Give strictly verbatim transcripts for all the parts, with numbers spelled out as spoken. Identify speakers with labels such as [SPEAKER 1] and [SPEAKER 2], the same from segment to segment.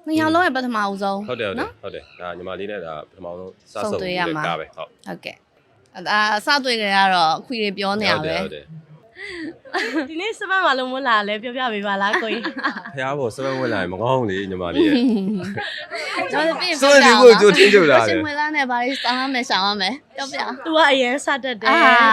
[SPEAKER 1] နှစ်ယောက်လုံးရဲ့ပထမဦးဆုံး
[SPEAKER 2] ဟုတ်တယ်ဟုတ်တယ်ဒါညီမလေးနဲ့ဒါပထမဆုံးစဆုံတွေ့ရမှာကားပဲဟုတ်
[SPEAKER 1] ဟုတ်ကဲ့အာစတွေ့ကြရတော့ခွေတွေပြောနေရပဲ
[SPEAKER 3] ဒီနေ့စပတ်မှာလုံးမလာလဲပြောပြပေးပါလားကိုကြီး
[SPEAKER 2] ဖျားဖို့စပတ်ဝင်လာရင်မကောင်းလေညီမလေးရဲ့
[SPEAKER 1] ကျွန်တော်ပြင်
[SPEAKER 2] ဆိုဒီကိုကြိုတင်ကြလာတယ်
[SPEAKER 1] ရှင်မလာနဲ့ဘာလို့စောင်းရမယ်ရှောင်းရမယ်ပြောပြ
[SPEAKER 3] तू ကအရန်စတတ်တယ်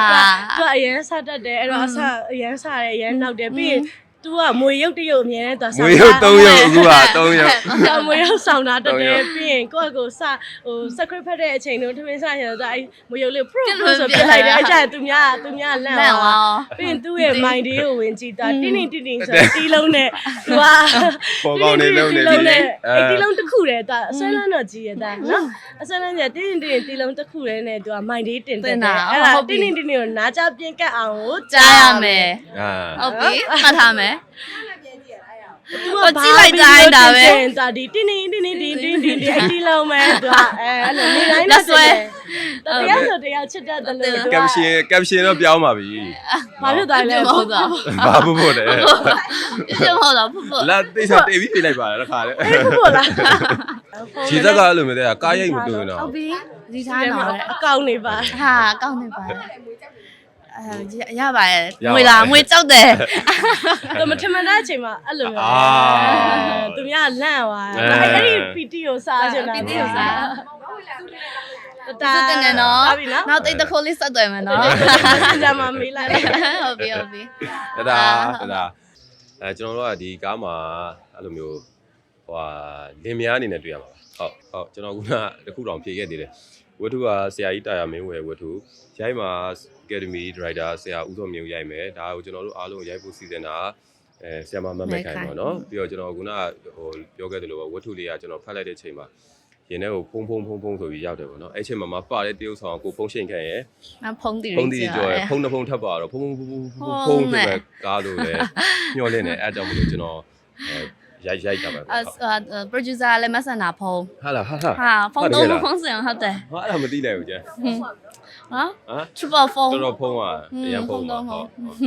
[SPEAKER 3] तू ကအရန်စတတ်တယ်အဲ့တော့အစအရန်စတယ်အရန်နောက်တယ်ပြီးရင်तू ကမွေရုပ်တရုပ်အမြဲတမ်းသွား
[SPEAKER 2] မွေရုပ်သုံးရုပ်အခုကသုံးရုပ်
[SPEAKER 3] တော့မွေရုပ်ဆောင်တာတက်တယ်ပြီးရင်ကိုယ့်အကိုစဟို script ဖတ်တဲ့အချိန်တို့ထမင်းစားရတော့အဲ့မွေရုပ်လေး pro pro ဆိုပြလိုက်တယ်အဲ့ကျရင်သူများသူများလန့်သွားပြီးရင်သူ့ရဲ့ mind လေးကိုဝင်ကြည့်တာတင်းတင်းတင်းတင်းဆိုတီးလုံးနဲ့ तू က
[SPEAKER 2] ပေါ်ကောင်းနေလုံးနေဒီလေ
[SPEAKER 3] အဲ့တီးလုံးတစ်ခုတည်းတာအဆွဲလန်းတော့ကြီးရတာနော်အဆွဲလန်းကျတင်းတင်းတင်းတီးလုံးတစ်ခုတည်းနဲ့ तू က mind လေးတင်တယ်အဲ့ဒါတင်းတင်းတင်းကိုနားကြပြင်းကတ်အောင်ကို
[SPEAKER 1] ကြားရမယ်ဟုတ်ပြီမှတ်ထားမယ်我进来在那呗，
[SPEAKER 3] 咋的？叮叮叮叮叮叮叮叮，叮了没？对吧？哎，你来那说，这样说这样吃的的了。
[SPEAKER 2] 咁先咁先都表嘛比，
[SPEAKER 3] 马上来了，
[SPEAKER 1] 不的，
[SPEAKER 2] 马不不的，
[SPEAKER 1] 就好了，不不。
[SPEAKER 2] 那对上对比来吧，那看的。
[SPEAKER 3] 不不啦。
[SPEAKER 2] 其实个路没得啊，家也没对呢。
[SPEAKER 1] 后边你睇喏，
[SPEAKER 3] 高你吧。
[SPEAKER 1] 哈，高你吧。誒ရပါရဲ့ငွေလားငွေကြောက်တယ်
[SPEAKER 3] တော့မထမတဲ့အချိန်မှာအဲ့လိုမျိုးအာသူများလန့်သွားအဲ့ဒီ ပီ တီ ကိုစားချင်တာ
[SPEAKER 1] ပီ တီ ကိုစားတာတဲ့နော်နောက်တိတ်တခိုးလေးဆက်သွယ်မယ်နော်
[SPEAKER 3] ကြာမှမေးလိုက်
[SPEAKER 1] ဟုတ်ပြီဟုတ်ပြီ
[SPEAKER 2] ဒါဒါအဲကျွန်တော်တို့ကဒီကားမှာအဲ့လိုမျိုးဟိုဟာလင်မယားအနေနဲ့တွေ့ရမှာပါဟုတ်ဟုတ်ကျွန်တော်ကတခုတောင်ဖြေခဲ့သေးတယ်ဝတ္ထုကဆရာကြီးတာယာမင်းဝယ်ဝတ္ထုရိုက်မှာ Academy Director ဆရာဦးစောမြင့်ရိုက်မယ်ဒါကိုကျွန်တော်တို့အားလုံးရိုက်ဖို့စီစဉ်တာအဲဆရာမမမက်ခိုင်ပေါ့နော်ပြီးတော့ကျွန်တော်ကဟိုပြောခဲ့သလိုပဲဝတ္ထုလေးကကျွန်တော်ဖတ်လိုက်တဲ့အချိန်မှာရင်ထဲကိုဖုံးဖုံးဖုံးဖုံးဆိုပြီးရောက်တယ်ပေါ့နော်အဲ့ချိန်မှာမပတဲ့တရုပ်ဆောင်ကိုဖုံးရှိန်ခံရဲ့
[SPEAKER 1] ဖုံးတီ
[SPEAKER 2] ဖုံးတီကြော်ရဖုံးတစ်ဖုံးထပ်ပါတော့ဖုံးဖုံးဖုံးဖုံးဖုံးဆိုပဲကားလို့လေညှော်လင်းနေအဲ့ကြောင့်မလို့ကျွန်တော်ရိုက်ရိုက်တာပဲ
[SPEAKER 1] အဲ producer လည်းမဆန်တာဖုံး
[SPEAKER 2] ဟာလားဟာဟာ
[SPEAKER 1] ဖုံးတော့ဖုံးစင်ဟုတ်တယ်
[SPEAKER 2] ဟာအဲ့ဒါမသိနိုင်ဘူးကျန်
[SPEAKER 1] ဟမ် triple ဖုံး
[SPEAKER 2] တော်တော်ဖုံးอ่ะအရင်ဖုံးတော့ဟုတ်
[SPEAKER 1] ဟုတ်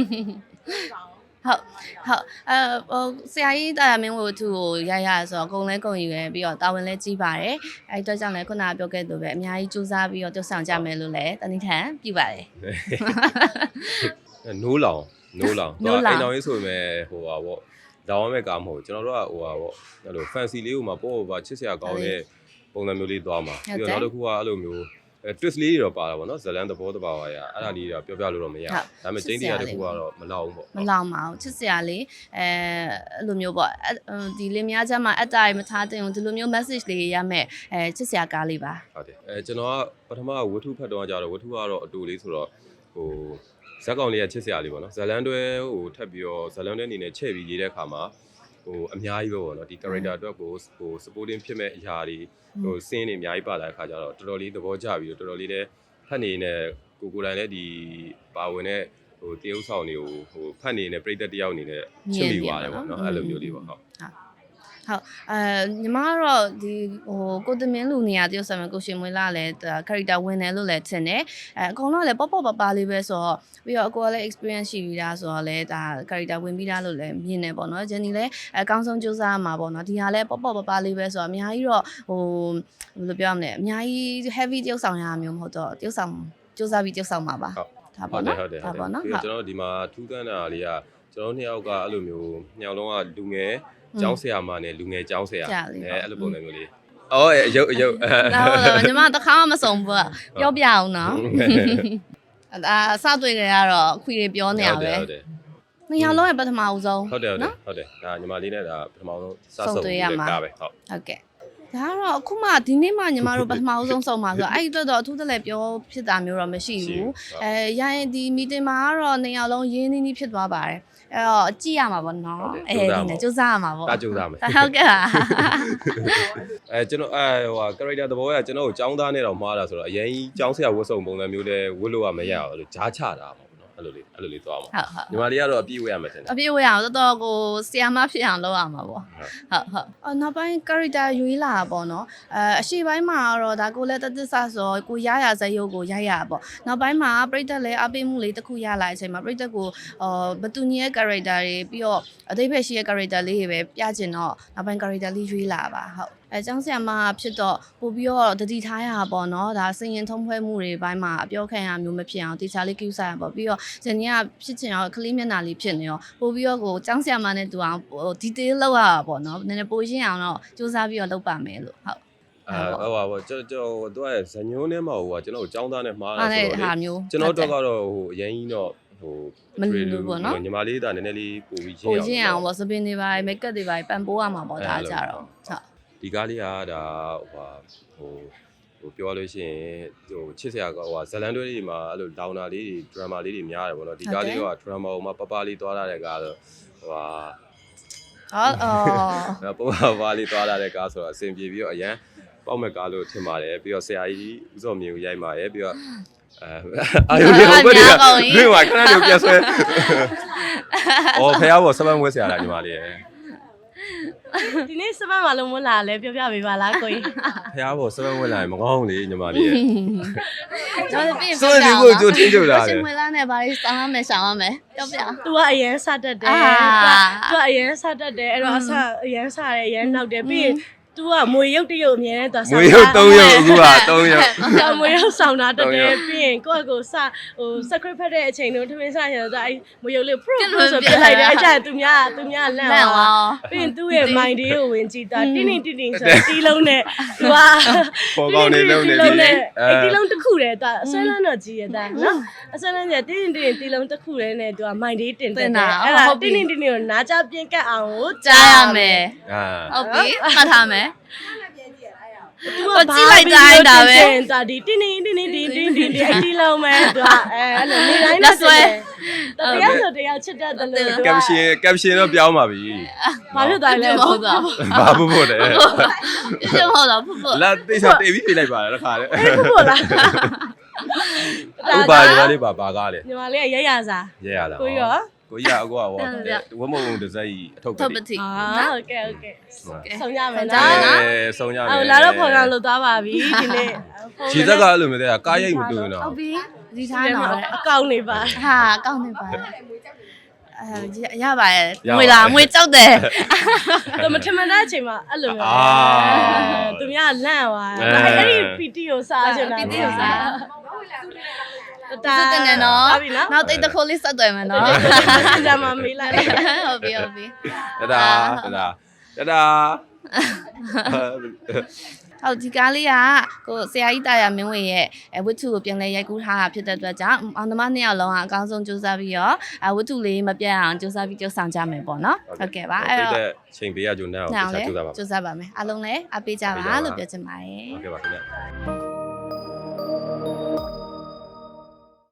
[SPEAKER 1] ဟုတ်အဲဟိုဆရာကြီးတာယာမင်းဝတ္ထုကိုရရဆိုတော့အကုန်လဲကုန်ယူရပြီးတော့တာဝန်လဲကြီးပါတယ်အဲအတွက်ကြောင့်လဲခုနကပြောခဲ့သူပဲအများကြီးစူးစမ်းပြီးတော့တုတ်ဆောင်ကြမယ်လို့လဲတနည်းထန်ပြပါတယ်
[SPEAKER 2] နိုးလောင်နိုးလောင်တော့အိမ်တော်ရေးဆိုပေမဲ့ဟိုပါဗောလောင်ရမယ့်ကားမဟုတ်ကျွန်တော်တို့ကဟိုပါဗောအဲ့လို fancy လေးကိုမှပို့ပါချစ်စရာကောင်းတဲ့ပုံစံမျိုးလေးသွားမှာပြီးတော့နောက်တစ်ခုကအဲ့လိုမျိုးအဲ twist လေးတွေတော့ပါတာပေါ့နော်ဇလန်သဘောတဘာဝရအဲ့ဒါလေးတော့ပြောပြလို့တော့မရဘူးဒါပေမဲ့ကျင်းတရားတစ်ခုကတော့မလောက်ဘူးပေါ့
[SPEAKER 1] မလောက်ပါဘူးချစ်စရာလေးအဲအဲ့လိုမျိုးပေါ့ဒီလင်းများချက်မှာအတားရမထားတဲ့ဒီလိုမျိုး message လေးရမယ်အဲချစ်စရာကားလေးပါ
[SPEAKER 2] ဟုတ်တယ်အဲကျွန်တော်ကပထမဝတ္ထုဖတ်တော့ကြတော့ဝတ္ထုကတော့အတူလေးဆိုတော့ဟိုဇက်ကောင်လေးကချစ်စရာလေးပေါ့နော်ဇလန်တွဲဟိုထပ်ပြီးတော့ဇလန်တွဲအနေနဲ့ချဲ့ပြီးရေးတဲ့အခါမှာဟိုအများကြီးပဲပေါ့နော်ဒီ character အတွက်ကိုဟို supporting ဖြစ်မဲ့အရာတွေဟို scene တွေအများကြီးပါလာတဲ့အခါကျတော့တော်တော်လေးသဘောကျပြီးတော့တော်တော်လေးလည်းဖတ်နေနေကိုကိုတိုင်းလည်းဒီပါဝင်တဲ့ဟိုတရုပ်ဆောင်တွေကိုဟိုဖတ်နေနေပြိတ္တတယောက်အနေနဲ့ချစ်မိသွားတယ်ပေါ့နော်အဲ့လိုမျိုးလေးပေါ့ဟုတ်
[SPEAKER 1] ဟုတ်အဲညီမကတော့ဒီဟိုကိုတမင်းလူနေရတရုပ်ဆောင်ကိုရှင်မွေးလာလဲ character ဝင်တယ်လို့လည်းထင်တယ်အဲအကုန်လုံးလည်းပေါ့ပေါ့ပပလေးပဲဆိုတော့ပြီးတော့အကိုကလည်း experience ရှိပြီးသားဆိုတော့လည်းဒါ character ဝင်ပြီးသားလို့လည်းမြင်တယ်ပေါ့နော်ဂျန်နီလည်းအကောင်းဆုံးကြိုးစားမှာပေါ့နော်ဒီဟာလည်းပေါ့ပေါ့ပပလေးပဲဆိုတော့အများကြီးတော့ဟိုဘယ်လိုပြောရမလဲအများကြီး heavy တရုပ်ဆောင်ရမျိုးမဟုတ်တော့တရုပ်ဆောင်ကြိုးစားပြီးတရုပ်ဆောင်မှာပါ
[SPEAKER 2] ဒါပေါ့နော်ဒါပေါ့နော်ကျွန်တော်ဒီမှာထူးဆန်းတာလေးကကျွန်တော်နှစ်ယောက်ကအဲ့လိုမျိုးညောင်လုံးကလူငယ်ကျောင်းဆရာမနဲ့လူငယ်ကျောင်းဆရာအဲအဲ့လိုပုံစံမျိုးလေးအော်အယုတ်အယုတ်
[SPEAKER 1] ဒါဟုတ်ညီမတခါမှမစုံဘူးပြောပြအောင်နော်အာအစတွေ့ကြရတော့ခွေတွေပြောနေရပဲနှစ်ယောက်လုံးရဲ့ပထမဦးဆုံး
[SPEAKER 2] ဟုတ်တယ်ဟုတ်တယ်ဟုတ်တယ်ဒါညီမလေးနဲ့ဒါပထမဆုံးစဆုံတွေ့ရမှာကားပဲဟုတ်
[SPEAKER 1] ဟုတ်ကဲ့ဒါကတော့အခုမှဒီနေ့မှညီမတို့ပထမဦးဆုံးဆုံမှာဆိုတော့အဲ့ဒီအတွက်တော့အထူးတလဲပြောဖြစ်တာမျိုးတော့မရှိဘူးအဲရရင်ဒီ meeting မှာကတော့နှစ်ယောက်လုံးရင်းနှီးနှီးဖြစ်သွားပါတယ်အဲ့တော့ကြည့်ရမှာပေါ့နော်အဲဒီနဲ့စူးစမ်းရမှာပေါ့
[SPEAKER 2] ဒါစူးစမ်းမယ်
[SPEAKER 1] ဟုတ်ကဲ့ပါ
[SPEAKER 2] အဲကျွန်တော်အဲဟို character သဘောကကျွန်တော်ကိုចောင်းသားနဲ့တော့မှားတာဆိုတော့အရင်ကြီးចောင်းဆရာဝတ်စုံပုံစံမျိုးလဲဝတ်လို့ကမရဘူးလို့ဂျားချတာပေါ့နော်အဲ့လိုလေးအဲ့လိုလေးသွားမှာ
[SPEAKER 1] ဟုတ်ဟုတ်
[SPEAKER 2] ညီမလေးကတော့အပြည့်ဝရမယ်ထင်တယ်
[SPEAKER 1] အပြည့်ဝရအောင်တော်တော်ကိုဆီယာမဖြစ်အောင်လုပ်ရမှာပေါ့ဟုတ်ဟုတ်အော်နောက်ပိုင်း character ရွေးလာတာပေါ့နော်အဲအရှိပိုင်းမှာတော့ဒါကိုလည်းတသက်ဆဆိုကိုရရဇယုတ်ကိုရိုက်ရပေါ့နောက်ပိုင်းမှာပြိသက်လည်းအပိမှုလေးတစ်ခုရလာတဲ့အချိန်မှာပြိသက်ကိုအော်ဘသူညီရဲ့ character တွေပြီးတော့အသေးဖက်ရှိရဲ့ character လေးတွေပဲပြချင်တော့နောက်ပိုင်း character လေးရွေးလာပါဟုတ်အဲကျောင်းဆရာမဖြစ်တော့ပို့ပြီးတော့တတိထားရတာပေါ့နော်ဒါစင်ရင်ထုံးဖွဲမှုတွေဘိုင်းမှာအပြောခံရမျိုးမဖြစ်အောင်တေချာလေးကိစ္စရပေါ့ပြီးတော့ဇနီးကဖြစ်ချင်အောင်ကလေးမျက်နှာလေးဖြစ်နေရောပို့ပြီးတော့ကိုကျောင်းဆရာမနဲ့တူအောင်ဟို detail လောက်ရတာပေါ့နော်နည်းနည်းပိုရှင်းအောင်တော့စူးစမ်းပြီးတော့လုပ်ပါမယ်လို့ဟုတ်
[SPEAKER 2] အဲဟုတ်ပါဘောကျွန်တော်တို့ရဲ့ဇညုံးထဲမှာဟိုကကျွန်တော်ကျောင်းသားနဲ့မှားတာ
[SPEAKER 1] အဲ့
[SPEAKER 2] ဆို
[SPEAKER 1] ဒါ
[SPEAKER 2] တော့
[SPEAKER 1] ဟာ
[SPEAKER 2] လေ
[SPEAKER 1] မျိုး
[SPEAKER 2] ကျွန်တော်တို့ကတော့ဟိုအရင်ကြီးတော့ဟို
[SPEAKER 1] မလူလူပေါ့နော်
[SPEAKER 2] ညီမလေးဒါနည်းနည်းလေးပို့ပြီးရှင်း
[SPEAKER 1] ပို
[SPEAKER 2] အောင်
[SPEAKER 1] ရှင်းအောင်ပေါ့စပင်းတွေပါမိတ်ကပ်တွေပါပန်ပိုးရမှာပေါ့ဒါကြတော့ဟုတ်
[SPEAKER 2] ဒီကားလေးကဒါဟိုဟိုဟိုပြောလို့ရှိရင်ဟိုချစ်စရာကဟိုဇလန်တွဲလေးတွေမှာအဲ့လိုဒေါင်နာလေးတွေဒရမာလေးတွေများတယ်ပေါ့နော်ဒီကားလေးကဒရမာဟိုမှာပပလေးသွားလာတဲ့ကားဆိုဟိုဟာ
[SPEAKER 1] အော်အော်
[SPEAKER 2] ပပပါလေးသွားလာတဲ့ကားဆိုတော့အဆင်ပြေပြီးတော့အရန်ပေါက်မဲ့ကားလို့ထင်ပါတယ်ပြီးတော့ဆရာကြီးဦးစောမြင့်ကိုရိုက်ပါတယ်ပြီးတော့အဲအာယုံလေးဟိုဘက်တွေကတွင်းမှာခဏလေးပြဆွဲအော်ဖះဘောစပန်းဝဲဆရာလားညီမလေးရဲ့
[SPEAKER 3] ဒီနေ့စပတ်မှာလုံးမလာလဲပြောပြပေးပါလားကိုကြီး
[SPEAKER 2] ဖះဘောစပန်းဝဲလာရင်မကောင်းဘူးလေညီမလေးရဲ့
[SPEAKER 1] ကျွန်တော်ပြင်
[SPEAKER 2] စွန့်ဒီကိုကြိုတင်းကြလာတယ်
[SPEAKER 1] ရှင်မလာနဲ့ဘာလေးစောင်းရမယ်ရှောင်းရမယ်ပြောပြ
[SPEAKER 3] तू ကအရန်စတတ်တယ်
[SPEAKER 1] အာ
[SPEAKER 3] तू ကအရန်စတတ်တယ်အဲ့တော့အစအရန်စတယ်အရန်နောက်တယ်ပြီးရင် तू ကမွေရုပ်တရုပ်အမြဲတမ်း तू
[SPEAKER 2] မွေရုပ်၃ရုပ်အခုက၃ရုပ်
[SPEAKER 3] ဆောင်းမွေရုပ်ဆောင်တာတက်တယ်ပြီးရင်ကိုယ့်အကိုစဟို script ဖတ်တဲ့အချိန်တုန်းထမင်းစားရတော့အဲ့မွေရုပ်လေး pro pro ဆိုပြလိုက်တယ်အဲ့ကျရင် तू များ तू များလန့်
[SPEAKER 1] လန့်
[SPEAKER 3] သွား
[SPEAKER 1] သွား
[SPEAKER 3] ပြီးရင် तू ရဲ့ mind လေးကိုဝင်ကြည့်တာတင်းတင်းတင်းတင်းဆိုတီးလုံးနဲ့ तू က
[SPEAKER 2] ပေါ်ကောင်းနေလုံးနေပြီလေ
[SPEAKER 3] အဲ့တီးလုံးတစ်ခုတည်း तू အဆွဲလန်းတော့ကြီးရတာနော်အဆွဲလန်းကျတင်းတင်းတင်းတီးလုံးတစ်ခုတည်းနဲ့ तू က mind လေးတင်တယ်အဲ့ဒါတင်းတင်းတင်းကိုနားကြပြင်းကတ်အောင်ကို
[SPEAKER 1] ကြားရမယ်
[SPEAKER 2] အာ
[SPEAKER 1] ဟုတ်ပြီမှတ်ထားမယ်
[SPEAKER 3] သူကကြည့်လိုက်တိုင်းဒါပဲဒါဒီတင်းတင်းတင်းတင်းတင်းတင်းတင်းအတီးလုံးမဲ့သူကအဲအဲ့လိုနေတိုင်းနဲ့ဆွဲတရားဆိုတရားချစ်တတ်တယ်လို့
[SPEAKER 2] ကပ်ရှင်ကပ်ရှင်တော့ပြောင်းပါပြီ
[SPEAKER 3] ဘာဖြစ်သွားလဲ
[SPEAKER 1] မဟုတ်တော့
[SPEAKER 2] ဘာဖို့ဖို့လဲ
[SPEAKER 1] ပြည့်မဟုတ်တော့ဖုတ်ဖုတ်
[SPEAKER 2] လာတိတ်ဆောတေးပြီးပြလိုက်ပါလားတခါလေ
[SPEAKER 3] ဟုတ်လား
[SPEAKER 2] ဥပါညီမလေးပါပါကားလေ
[SPEAKER 3] ညီမလေးကရရစား
[SPEAKER 2] ရဲရတာ
[SPEAKER 3] ကိုရော
[SPEAKER 2] ကိုရအကောဟောဝမုံဒဇိုင်းအထုပ်
[SPEAKER 1] ထုတ်ပ
[SPEAKER 2] ပဲ
[SPEAKER 1] တိ
[SPEAKER 3] အာဟုတ်ကဲ့ဟုတ်ကဲ့ဆုံးရမယ်
[SPEAKER 1] ကြား
[SPEAKER 3] နော်
[SPEAKER 1] ရ
[SPEAKER 2] အဲဆုံးရမယ်
[SPEAKER 3] အော်လာတော့ခေါ်ကလို့သွားပါပြီဒီနေ့
[SPEAKER 2] ခြေသက်ကအဲ့လိုမျိုးတဲ့ကားရိတ်မတူဘူးနော်
[SPEAKER 1] ဟုတ်ပြီဒီထားတော့
[SPEAKER 3] အကောင့်နေပါ
[SPEAKER 1] ဟာကောင်းနေပါအဲရပါရဲ့ငွေလားငွေကြောက်တယ်
[SPEAKER 3] တော့မထမတဲ့အချိန်မှာအဲ့လိုမျိုးသူများလန့်သွားအဲ့ဒီ ပီ တီ ကိုစားချင်တာ
[SPEAKER 1] ပီတီကိုစား
[SPEAKER 3] တာ
[SPEAKER 1] စတဲ့နဲ့နော်
[SPEAKER 3] ဟုတ်ပြီနော်
[SPEAKER 1] နောက်တိတ်တစ်ခုလေးဆက်သွယ်မယ်နော်
[SPEAKER 3] ကြမှာမေးလိုက်
[SPEAKER 1] ဟုတ်ပြီဟုတ်ပြီ
[SPEAKER 2] တဒါတဒါတဒါ
[SPEAKER 1] ဟုတ်ဒီကားလေးကကိုဆရာကြီးတာယာမင်းဝေရဲ့အဝတ္ထုကိုပြန်လဲရိုက်ကူးထားတာဖြစ်တဲ့အတွက်ကြောင့်အောင်သမားနှစ်ယောက်လုံးကအကောင်းဆုံးစူးစမ်းပြီးတော့အဝတ္ထုလေးမပြတ်အောင်စူးစမ်းပြီးကြိုးဆောင်ကြမယ်ပေါ့နော်ဟုတ်ကဲ့ပါအဲ့တော့
[SPEAKER 2] ချိန်ပေးရကြုံနေအောင်
[SPEAKER 1] ညောင်
[SPEAKER 2] တခြား
[SPEAKER 1] လဲ
[SPEAKER 2] ကြိုးစားပါ
[SPEAKER 1] စူးစမ်းပါမယ်အားလုံးလည်းအပေးကြပါလို့ပြောချင်ပါတယ်
[SPEAKER 2] ဟုတ်ကဲ့ပါခင်ဗျ